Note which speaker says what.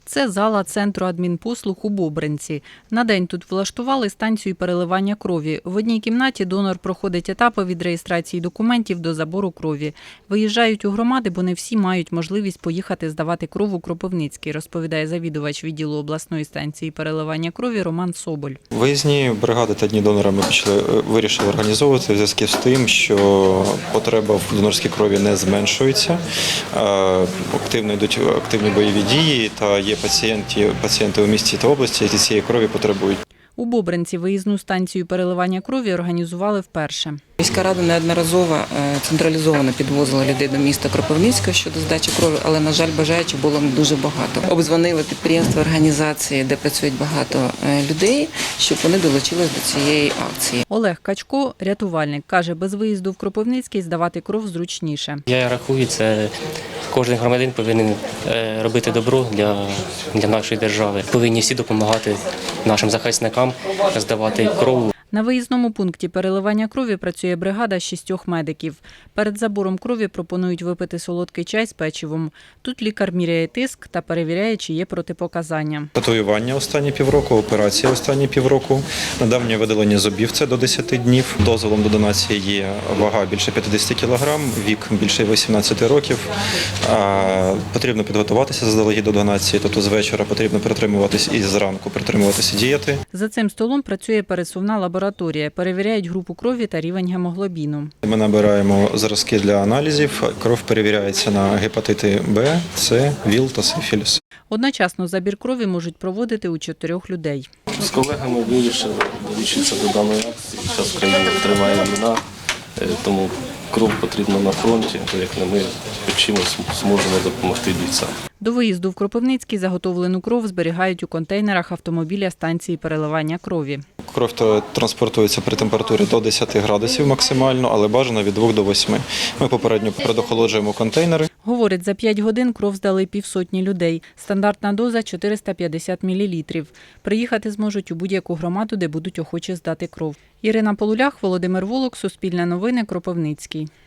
Speaker 1: Це зала Центру адмінпослуг у Бобринці. На день тут влаштували станцію переливання крові. В одній кімнаті донор проходить етапи від реєстрації документів до забору крові. Виїжджають у громади, бо не всі мають можливість поїхати здавати кров у Кропивницький, розповідає завідувач відділу обласної станції переливання крові Роман Соболь.
Speaker 2: Виїзні бригади та дні донора ми вирішили організовувати в зв'язку з тим, що потреба в донорській крові не зменшується. Активно йдуть активні бойові дії та є пацієнти у місті та області, які цієї крові потребують.
Speaker 1: У Бобринці виїзну станцію переливання крові організували вперше.
Speaker 3: Міська рада неодноразово централізовано підвозила людей до міста Кропивницького щодо здачі крові, але, на жаль, бажаючих було не дуже багато. Обдзвонили підприємства, організації, де працюють багато людей, щоб вони долучились до цієї акції.
Speaker 1: Олег Качко, рятувальник, каже, без виїзду в Кропивницький здавати кров зручніше.
Speaker 4: Я рахую, це кожен громадянин повинен робити добро для нашої держави. Повинні всі допомагати нашим захисникам здавати кров.
Speaker 1: На виїзному пункті переливання крові працює бригада з 6 медиків. Перед забором крові пропонують випити солодкий чай з печивом. Тут лікар міряє тиск та перевіряє, чи є протипоказання.
Speaker 2: Татуювання останні півроку, операція останні півроку, недавнє видалення зубів – це до 10 днів. Дозволом до донації є вага більше 50 кг, вік більше 18 років. Потрібно підготуватися заздалегідь до донації, тобто з вечора потрібно притримуватись і зранку притримуватися дієти.
Speaker 1: За цим столом працює пересувна лабораторія. Перевіряють групу крові та рівень гемоглобіну.
Speaker 2: Ми набираємо зразки для аналізів. Кров перевіряється на гепатити Б, С, ВІЛ та сифіліс.
Speaker 1: Одночасно забір крові можуть проводити у 4 людей.
Speaker 5: З колегами вирішили долучитися до даної акції. Зараз в країні триває війна, тому кров потрібна на фронті, то як не ми чимось зможемо допомогти бійцям.
Speaker 1: До виїзду в Кропивницький заготовлену кров зберігають у контейнерах автомобіля станції переливання крові.
Speaker 2: Кров транспортується при температурі до 10 градусів максимально, але бажано від 2 до 8. Ми попередньо предохолоджуємо контейнери.
Speaker 1: Говорить, за 5 годин кров здали півсотні людей. Стандартна доза – 450 мл. Приїхати зможуть у будь-яку громаду, де будуть охочі здати кров. Ірина Полулях, Володимир Волок, Суспільне новини, Кропивницький.